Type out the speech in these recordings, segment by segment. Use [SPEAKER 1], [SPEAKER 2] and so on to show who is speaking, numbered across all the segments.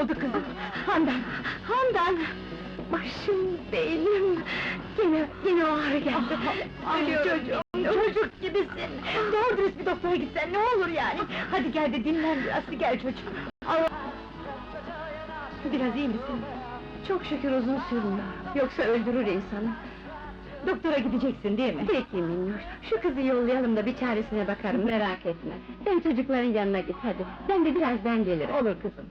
[SPEAKER 1] oldu kızım? Handan! Başım, beynim! Yine o ağrı geldi! Ölüyorum çocuğum, çocuk gibisin! Doğru dürüst bir doktora gitsen ne olur yani? Hadi gel de dinlen biraz, gel çocuğum! Allah! Biraz iyi misin? Çok şükür uzun sürmüyor, yoksa öldürür insanı! Doktora gideceksin değil mi? Peki Minnoş, şu kızı yollayalım da bir çaresine bakarım, merak etme! Sen çocukların yanına git hadi, ben de birazdan gelirim. Olur kızım!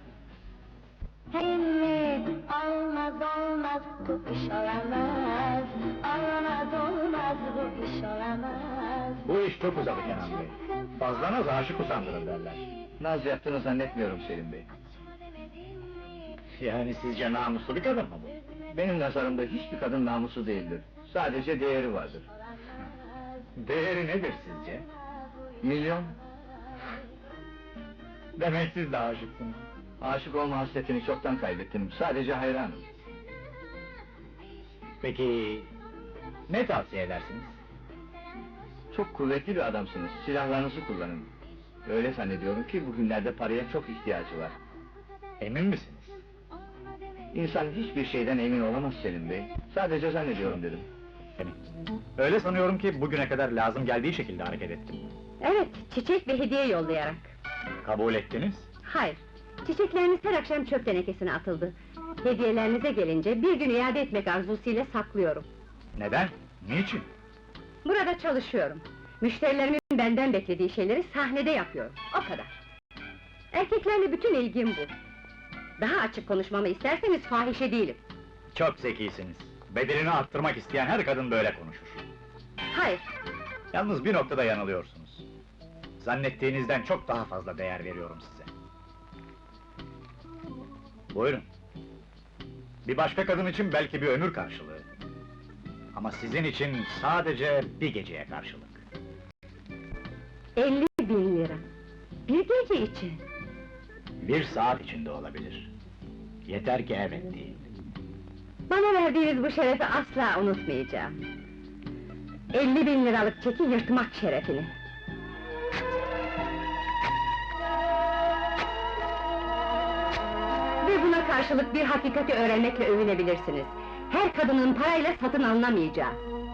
[SPEAKER 2] Evet, olmaz, bu iş olamaz. Olmaz, bu iş olamaz.
[SPEAKER 3] Bu iş çok uzadı Kenan Bey. Fazla naz aşık usandırır derler.
[SPEAKER 4] Naz yaptığını zannetmiyorum Selim Bey.
[SPEAKER 3] Yani sizce namuslu bir kadın mı bu?
[SPEAKER 4] Benim nazarımda hiçbir kadın namuslu değildir. Sadece değeri vardır.
[SPEAKER 3] Değeri nedir sizce?
[SPEAKER 4] Milyon,
[SPEAKER 3] Demek siz de aşıksınız.
[SPEAKER 4] aşık olma hasretini çoktan kaybettim. Sadece hayranım.
[SPEAKER 3] Peki, ne tavsiye edersiniz?
[SPEAKER 4] Çok kuvvetli bir adamsınız. Silahlarınızı kullanın. Öyle zannediyorum ki bugünlerde paraya çok ihtiyacı var.
[SPEAKER 3] Emin misiniz?
[SPEAKER 4] İnsan hiçbir şeyden emin olamaz Selim Bey. Sadece zannediyorum dedim.
[SPEAKER 3] Öyle sanıyorum ki bugüne kadar lazım geldiği şekilde hareket ettim.
[SPEAKER 1] Evet, çiçek ve hediye yollayarak.
[SPEAKER 3] Kabul ettiniz.
[SPEAKER 1] Hayır, çiçekleriniz her akşam çöp tenekesine atıldı. Hediyelerinize gelince bir gün iade etmek arzusuyla saklıyorum.
[SPEAKER 3] Neden? Niçin?
[SPEAKER 1] Burada çalışıyorum. Müşterilerimin benden beklediği şeyleri sahnede yapıyorum, o kadar. Erkeklerle bütün ilgim bu. Daha açık konuşmamı isterseniz fahişe değilim.
[SPEAKER 3] Çok zekisiniz. Bedelini arttırmak isteyen her kadın böyle konuşur.
[SPEAKER 1] Hayır,
[SPEAKER 3] Yalnız bir noktada yanılıyorsunuz. Zannettiğinizden çok daha fazla değer veriyorum size. Buyurun. Bir başka kadın için belki bir ömür karşılığı. Ama sizin için sadece bir geceye karşılık.
[SPEAKER 1] 50.000 lira. Bir gece için.
[SPEAKER 3] Bir saat içinde olabilir. Yeter ki evet deyin.
[SPEAKER 1] Bana verdiğiniz bu şerefi asla unutmayacağım. 50.000 liralık çeki yırtmak şerefini. Ve buna karşılık bir hakikati öğrenmekle övünebilirsiniz. Her kadının parayla satın alınamayacağı.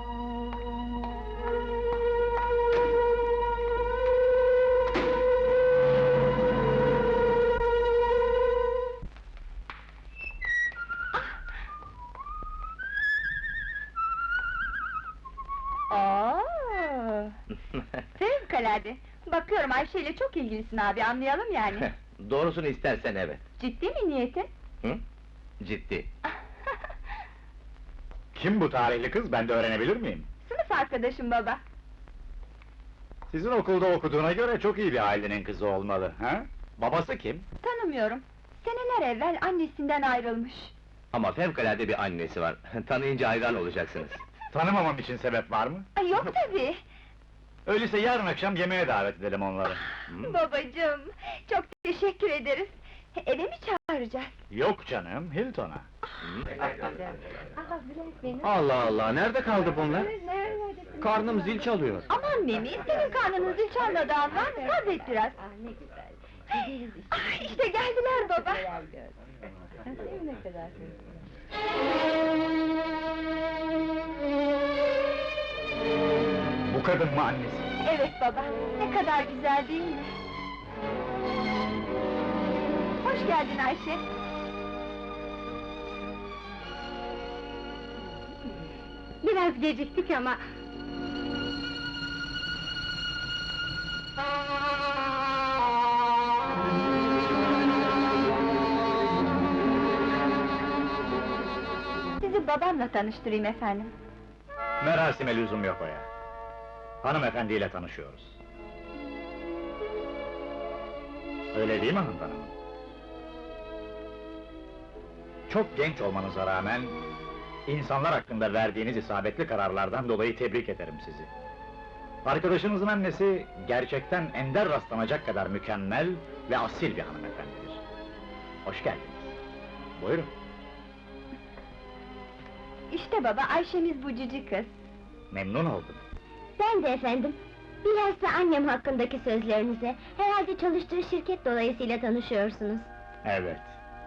[SPEAKER 2] Fevkalade! Bakıyorum Ayşe ile çok ilgilisin abi, anlayalım yani.
[SPEAKER 4] Doğrusunu istersen evet.
[SPEAKER 2] Ciddi mi niyetin?
[SPEAKER 4] Hı? Ciddi.
[SPEAKER 3] Kim bu tarihli kız, ben de öğrenebilir miyim?
[SPEAKER 2] Sınıf arkadaşım baba.
[SPEAKER 3] Sizin okulda okuduğuna göre çok iyi bir ailenin kızı olmalı, ha? Babası kim?
[SPEAKER 2] Tanımıyorum. Seneler evvel annesinden ayrılmış.
[SPEAKER 4] Ama fevkalade bir annesi var. Tanıyınca hayran olacaksınız.
[SPEAKER 3] Tanımamam için sebep var mı?
[SPEAKER 2] Ay, yok tabii!
[SPEAKER 3] Öyleyse yarın akşam yemeğe davet edelim onları.
[SPEAKER 2] Babacığım, çok teşekkür ederiz. Eve mi çağıracağız?
[SPEAKER 3] Yok canım, Hilton'a.
[SPEAKER 4] Allah Allah, nerede kaldı bunlar? Karnım zil çalıyor.
[SPEAKER 2] Aman Mimi, senin karnının zil çalmadığı an var mı? Sabret biraz.
[SPEAKER 1] Ne güzel.
[SPEAKER 2] Ah, işte geldiler baba.
[SPEAKER 1] Ne kadar
[SPEAKER 3] Bu kadın mı annesi?
[SPEAKER 2] Evet baba, ne kadar güzel değil mi? Hoş geldin Ayşe.
[SPEAKER 1] Biraz geciktik ama...
[SPEAKER 2] Sizi babamla tanıştırayım efendim.
[SPEAKER 3] Merasime lüzum yok o ya. Hanımefendiyle tanışıyoruz. Öyle değil mi hanımefendi? Çok genç olmanıza rağmen... ...insanlar hakkında verdiğiniz isabetli kararlardan dolayı tebrik ederim sizi. Arkadaşınızın annesi, gerçekten ender rastlanacak kadar mükemmel ve asil bir hanımefendidir. Hoş geldiniz. Buyurun.
[SPEAKER 2] İşte baba, Ayşemiz bu cici kız.
[SPEAKER 3] Memnun oldum.
[SPEAKER 2] Ben de efendim. Bilhassa annem hakkındaki sözlerinize, herhalde çalıştığı şirket dolayısıyla tanışıyorsunuz.
[SPEAKER 3] Evet,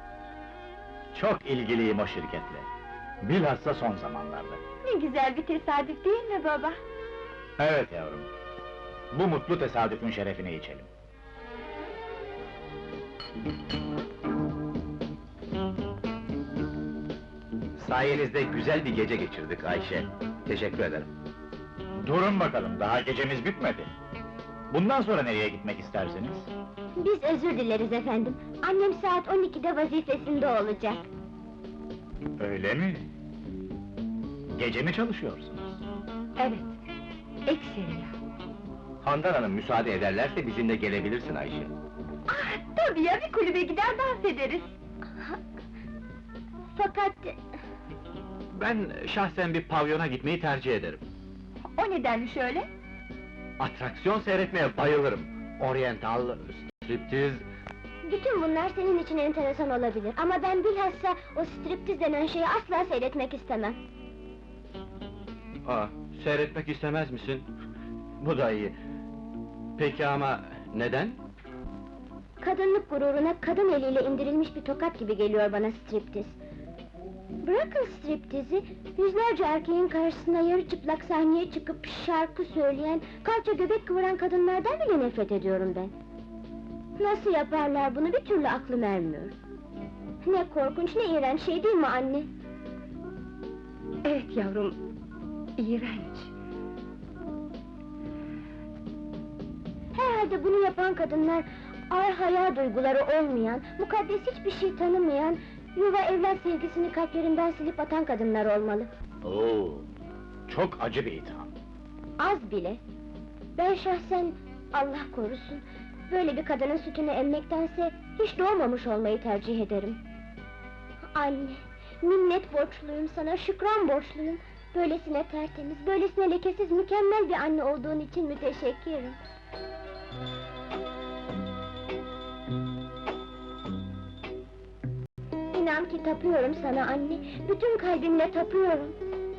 [SPEAKER 3] Çok ilgiliyim o şirketle. Bilhassa son zamanlarda.
[SPEAKER 2] Ne güzel bir tesadüf değil mi baba?
[SPEAKER 3] Evet yavrum. Bu mutlu tesadüfün şerefine içelim.
[SPEAKER 4] Sayenizde güzel bir gece geçirdik Ayşe. Teşekkür ederim.
[SPEAKER 3] Durun bakalım, daha gecemiz bitmedi. Bundan sonra nereye gitmek istersiniz?
[SPEAKER 1] Biz özür dileriz efendim. Annem saat 12'de vazifesinde olacak.
[SPEAKER 3] Öyle mi? Gece mi çalışıyorsunuz?
[SPEAKER 2] Evet, ekseriya.
[SPEAKER 4] Handan Hanım müsaade ederlerse bizimle gelebilirsin Ayşe.
[SPEAKER 2] Ah, tabii ya, bir kulübe gider dans ederiz.
[SPEAKER 1] Fakat
[SPEAKER 4] Ben şahsen bir pavyona gitmeyi tercih ederim.
[SPEAKER 2] O nedenmiş öyle?
[SPEAKER 4] Atraksiyon seyretmeye bayılırım. Oriental, striptiz...
[SPEAKER 1] bütün bunlar senin için enteresan olabilir. Ama ben bilhassa o striptiz denen şeyi asla seyretmek istemem.
[SPEAKER 4] Seyretmek istemez misin? Bu da iyi. Peki ama neden?
[SPEAKER 1] Kadınlık gururuna kadın eliyle indirilmiş bir tokat gibi geliyor bana striptiz. Bırakın striptizi, yüzlerce erkeğin karşısına yarı çıplak sahneye çıkıp şarkı söyleyen, kalça göbek kıvıran kadınlardan bile nefret ediyorum ben. Nasıl yaparlar bunu bir türlü aklım ermiyor. Ne korkunç, ne iğrenç şey değil mi anne?
[SPEAKER 2] Evet yavrum, iğrenç.
[SPEAKER 1] Herhalde bunu yapan kadınlar, ağır hayal duyguları olmayan, mukaddes hiçbir şey tanımayan, yuva evlat sevgisini kalplerinden silip atan kadınlar olmalı.
[SPEAKER 3] Oo, çok acı bir itham.
[SPEAKER 1] Az bile. Ben şahsen, Allah korusun, böyle bir kadının sütünü emmektense, hiç doğmamış olmayı tercih ederim. Anne, minnet borçluyum sana, şükran borçluyum. Böylesine tertemiz, böylesine lekesiz, mükemmel bir anne olduğun için müteşekkirim. İnan ki tapıyorum sana anne, bütün kalbimle tapıyorum.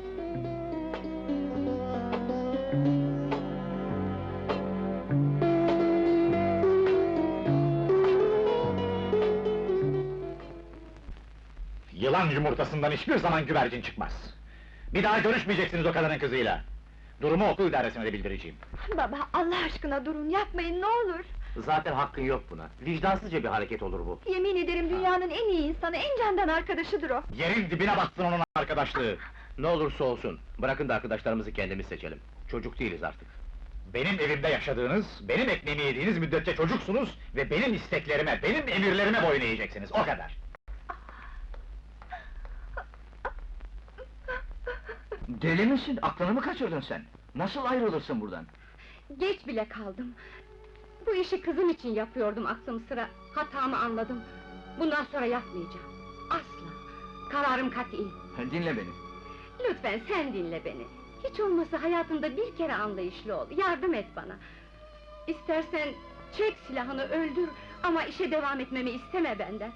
[SPEAKER 3] Yılan yumurtasından hiçbir zaman güvercin çıkmaz. Bir daha görüşmeyeceksiniz o kadının kızıyla. Durumu okul idaresine de bildireceğim.
[SPEAKER 2] Baba, Allah aşkına durun, yapmayın ne olur!
[SPEAKER 4] Zaten hakkın yok buna. Vicdansızca bir hareket olur bu.
[SPEAKER 2] Yemin ederim dünyanın en iyi insanı, en candan arkadaşıdır o!
[SPEAKER 3] Yerin dibine batsın onun arkadaşlığı!
[SPEAKER 4] Ne olursa olsun, bırakın da arkadaşlarımızı kendimiz seçelim. Çocuk değiliz artık.
[SPEAKER 3] Benim evimde yaşadığınız, benim ekmeğimi yediğiniz müddetçe çocuksunuz ve benim isteklerime, benim emirlerime boyun eğeceksiniz, o kadar!
[SPEAKER 4] Deli misin? Aklını mı kaçırdın sen? Nasıl ayrılırsın buradan?
[SPEAKER 2] Geç bile kaldım. Bu işi kızım için yapıyordum aklım sıra, hatamı anladım. Bundan sonra yapmayacağım. Asla! Kararım kat'i.
[SPEAKER 4] Dinle beni.
[SPEAKER 2] Lütfen sen dinle beni. Hiç olmazsa hayatımda bir kere anlayışlı ol, yardım et bana. İstersen çek silahını öldür, ama işe devam etmemi isteme benden.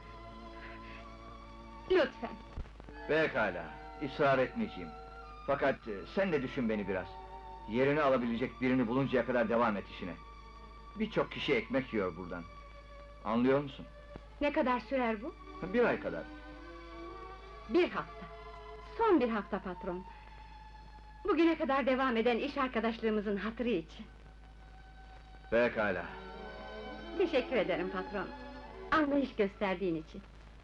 [SPEAKER 2] Lütfen!
[SPEAKER 4] Pekala, ısrar etmeyeceğim. Fakat sen de düşün beni biraz. Yerini alabilecek birini buluncaya kadar devam et işine. Birçok kişi ekmek yiyor buradan. Anlıyor musun?
[SPEAKER 2] Ne kadar sürer bu?
[SPEAKER 4] 1 ay kadar.
[SPEAKER 2] 1 hafta. Son 1 hafta patron. Bugüne kadar devam eden iş arkadaşlığımızın hatırı için.
[SPEAKER 4] Pekala.
[SPEAKER 2] Teşekkür ederim patron. Anlayış gösterdiğin için.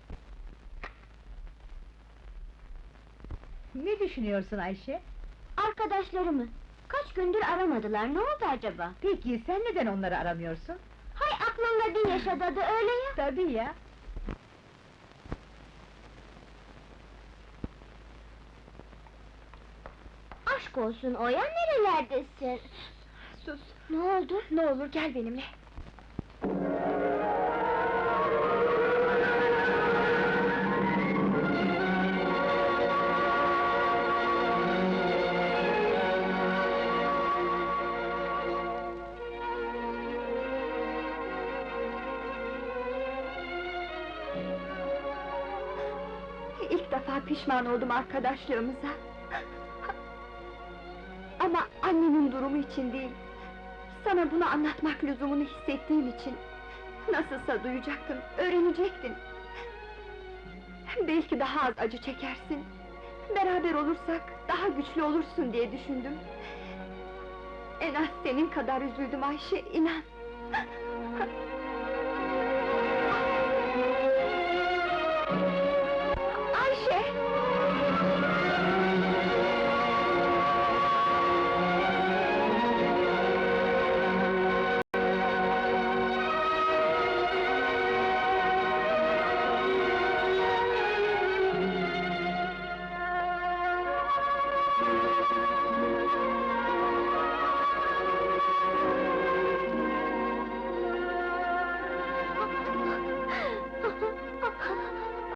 [SPEAKER 1] Ne düşünüyorsun Ayşe? Arkadaşlarımı. Kaç gündür aramadılar, ne oldu acaba?
[SPEAKER 5] Peki, sen neden onları aramıyorsun?
[SPEAKER 1] Hay aklımda bin yaşadı öyle ya!
[SPEAKER 5] Tabii ya!
[SPEAKER 1] Aşk olsun Oya, nerelerdesin?
[SPEAKER 2] Sus!
[SPEAKER 1] Ne oldu?
[SPEAKER 2] Ne olur gel benimle! İlk defa pişman oldum arkadaşlığımıza. Ama annemin durumu için değil, sana bunu anlatmak lüzumunu hissettiğim için... Nasılsa duyacaktın, öğrenecektin. Belki daha az acı çekersin. Beraber olursak daha güçlü olursun diye düşündüm. En az senin kadar üzüldüm Ayşe, inan!